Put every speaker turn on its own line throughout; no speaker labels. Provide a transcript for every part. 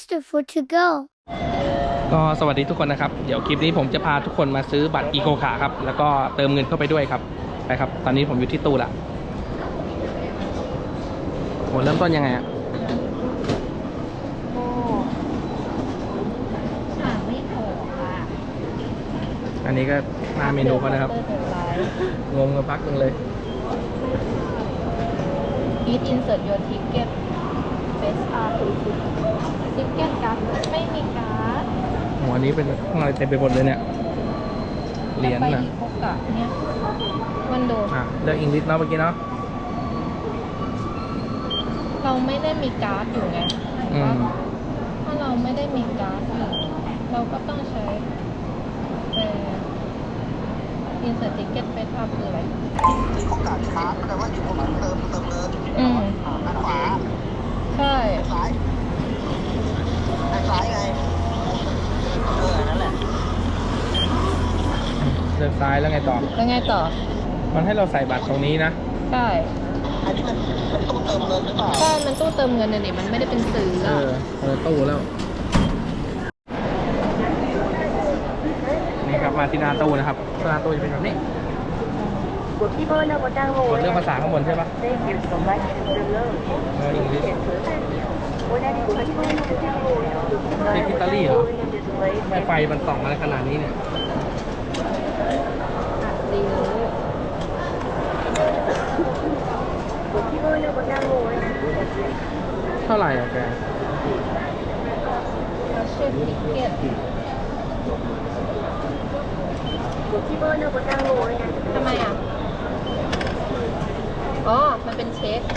Mr. Food to go
ก็สวัสดีทุกคนนะครับเดี๋ยวคลิปนี้ผมจะพาทุกคนมาซื้อบัตรอีโคขาครับแล้วก็เติมเงินเข้าไปด้วยครับไปครับตอนนี้ผมอยู่ที่ตู้ละโหเริ่มต้นยังไงอะอันนี้ก็หน้าเมนูเขานะครับงงกับพักนึงเลย
Eat insert your ticket best art ticket การ์ดไม่มีการ์ด
โหอันนี้เป็นข้างในเต็มไปหมดเลยเนี่ยเหรียญ
ไป
นะ
อีโคกะเนี่ยวันโด
เลือกอังกฤษเนาะเมื่อกี้เนาะ
เราไม่ได้มีการ์ดอยู่ไงถ้าเราไม่ได้มีการ์ดอยู่เราก็ต้องใช้insert ticket best art คืออะไร
โอกาสค้าแปลว่าอยู่ตรงนั้นเติมเงินด้านขวา
ใช่
ซ้ายด้านซ้ายไงนั่นแหละ
เลือกซ้ายแล้วไงต่อ
แล้วไงต่อ
มันให้เราใส่บัตรตรงนี้นะ
ใช่
อันนี้มันตู้เติมเงินหรือเปล่า
ใช่มันตู้เติมเงินเนี่ยมันไม่ได้เป็นซื้อ
ตู้แล้วนี่ครับมาที่หน้าตู้นะครับหน้าตู้จะเป็นแบบนี้กดเรื่องภาษาข้างบนใช่ปะเอังกฤษอิตาลีเหรอทำไมไฟมันส่องอะไรขนาดนี้เนี่ยเท่าไหร่อะแก
เช็คติเก็ตทำไมอ่ะอ๋อมันเป็นเช็ค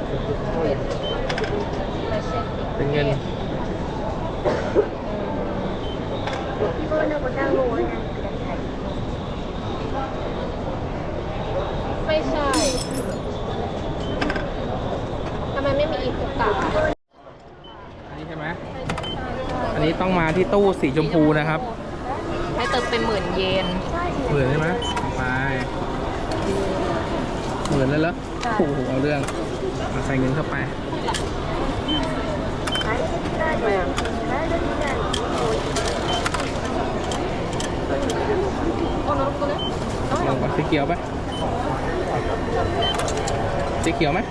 มาเช็ค
เป็นเงิน
ไม่ใช่ทำไมไม่มีอีกตา
อันนี้ใช่ไหมอันนี้ต้องมาที่ตู้สีชมพูนะครับ
ให้เติมเป็น10,000 เยน
หมื่นใช่ไหมไปหมื่นแล้วเหรอโอ้โหเอาเรื่องมาใส่เงินเข้าไปลองก่อนสีเขียวไปสีเขียวไหม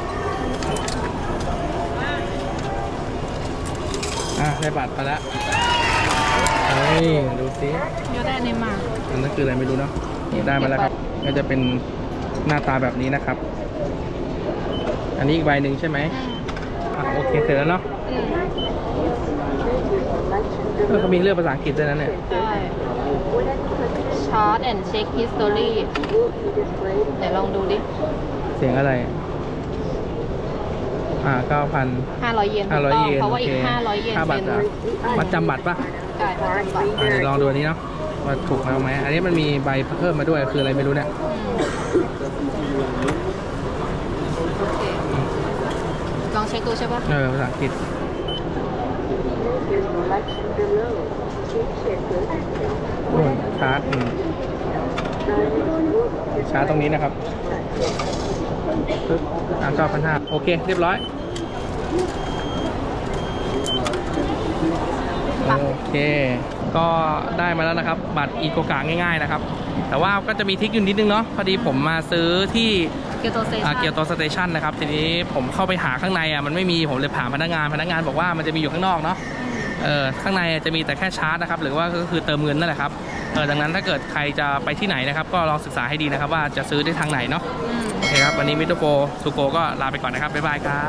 ได้บัตรมาแล้วเฮ้ยดูสิ
ยอดได้เนี่ยมา
อันนั้นคืออะไรไม่รู้เนาะได้มาแล้วครับก็จะเป็นหน้าตาแบบนี้นะครับอันนี้อีกใบหนึ่งใช่ไหมโอเคเสร็จแล้วเนาะเขามีเรื่องภาษาอังกฤษด้วยนะเนี่ย
ใช่ Chart and check history ไหนลองดูดิ
เสียงอะไร
500 เยนเพราะว่าอีก500 เยน
ค่าบัตรมาจำบัตรป่ะ
ใช่มาจำบัตร
เดี๋ยวลองดูอันนี้เนาะว่าถูกไหมอันนี้มันมีใบเพิ่มมาด้วยคืออะไรไม่รู้เนี่ย
ลองเช็คดูใช่ป่ะ
ภาษาอังกฤษชาร์จตรงนี้นะครับ9,500โอเคเรียบร้อยโอเคก็ได้มาแล้วนะครับบัตรอีโกกะง่ายๆนะครับแต่ว่าก็จะมีทริคอยู่นิดนึงเนาะพอดีผมมาซื้อที่
เกียวโต
สเตชันนะครับทีนี้ผมเข้าไปหาข้างในมันไม่มีผมเลยถามพนักงานบอกว่ามันจะมีอยู่ข้างนอกเนาะข้างในจะมีแต่แค่ชาร์จนะครับหรือว่าก็คือเติมเงินนั่นแหละครับดังนั้นถ้าเกิดใครจะไปที่ไหนนะครับก็ลองศึกษาให้ดีนะครับว่าจะซื้อได้ทางไหนเนาะโอเคครับวันนี้มิโตโกซูโกก็ลาไปก่อนนะครับบ๊ายบายครับ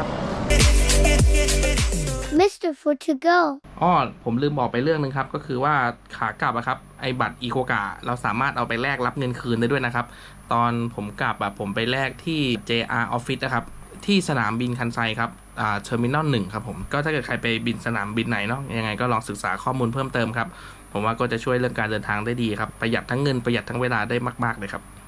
Mr. Food to go
ผมลืมบอกไปเรื่องนึงครับก็คือว่าขากลับครับไอบัตรอีโคกะเราสามารถเอาไปแลกรับเงินคืนได้ด้วยนะครับตอนผมกลับผมไปแลกที่ JR Office นะครับที่สนามบินคันไซครับเทอร์มินอล 1ครับผมก็ถ้าเกิดใครไปบินสนามบินไหนเนาะยังไงก็ลองศึกษาข้อมูลเพิ่มเติมครับผมว่าก็จะช่วยเรื่องการเดินทางได้ดีครับประหยัดทั้งเงินประหยัดทั้งเวลาได้มากๆเลยครับ